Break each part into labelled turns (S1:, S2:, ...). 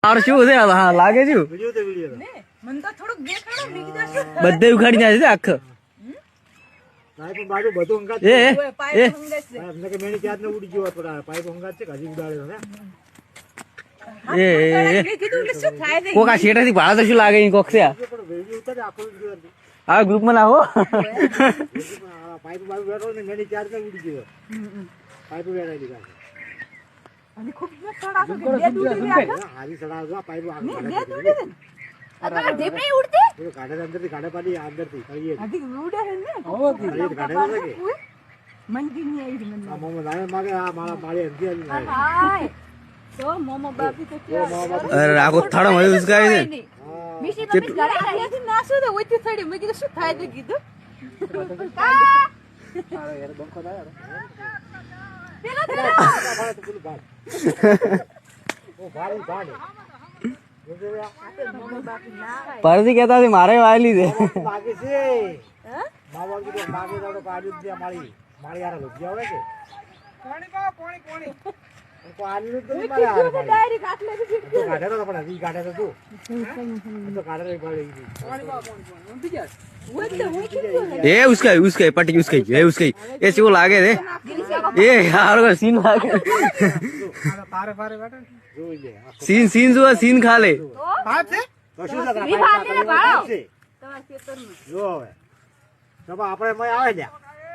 S1: और શું છે હા લાગે છે
S2: વિડિયો તો વિડિયો
S3: ને મન તો થોડુંક દેખાડો બીજું શું
S1: બધે ઉખાડી નાખે છે આખ
S2: પાઇપ બાજુ બધું અંગાત
S1: એ
S3: ઓય પાઇપ હંગાસ છે
S2: અમને કે મેની ક્યાં ને ઉડી ગયો તો પાઇપ અંગાત છે હજી ઉડાડ્યો ને
S1: એ
S3: મેં કીધું કે શું થાય છે
S1: કોક આ શેઠાથી ભાડા તો શું લાગે ઈ કોક છે આ
S2: પણ વિડિયો ઉતારે આખો વિડિયો
S1: આ ગ્રુપમાં નાખો
S2: પાઇપ બાજુ બેઠો ને મેની ક્યાં ને ઉડી ગયો પાઇપ બેઠા દીધા
S3: અને ખૂબ સડા તો બે દૂડી ગયા
S2: હારી સડા પાઇપ
S3: બે દૂડી દે અરે દેપ નહીં ઉડતી
S2: એ ગાડે અંદરથી ગાડે પાડી અંદરથી કરીએ
S3: આધી ઉડે હે ને
S2: ઓ ગાડે લાગે
S3: મન કી નહીં આવી મન
S2: આ મોમો લાવે માગે આ મારા માળી અંધી આવી
S3: હાય તો મોમો બાપી તો ક્યાં
S1: અરે આખો થાળો મળી ઉસકાય છે
S3: મિશી તો બી ગાડે આયાથી નાસો તો ઓઈથી થડી મેં કીધું શું થાય તો કીધું
S2: યાર બંકો દા યાર
S3: પેલા
S2: ઓ ભાડી ભાડી
S1: પરથી કહેતા હતી મારે વાયલી છે
S2: માગે છે બાબા કીધું માગે તો પાડી દે માળી માળી યાર લોજ્યા હોય કે પાણી કો આલી તો મારે યાર
S3: ડાયરેક્ટ આટલે
S2: તો ગાડે તો પણ હજી ગાડે તો તું તો ગાડે રે પાડી
S1: એ ઉસકાઈ ઉસકાઈ પટી ઉસકાઈ એ ઉસકાઈ એ શું લાગે છે એ હારો સીન લાગે
S2: પારે પારે બેઠા જોઈ લે
S1: સીન સીન જો સીન ખા લે
S2: પાપ છે તો શું છે
S3: ઈ ભાગે ને ભાળો.
S2: છે
S3: તમાર ખેતરમાં
S2: જો હવે તો આપણે મય આવે લ્યા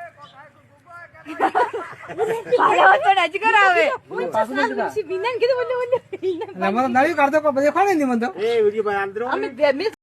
S3: ભાળો તો નજ કરાવે મિશી વિનાન કીધું બોલે
S4: અમારો નળી કાઢતો પણ બધે ખાણે નહીં મન તો
S2: એ વિડિયો ભાઈ આંદરો
S3: અમે બે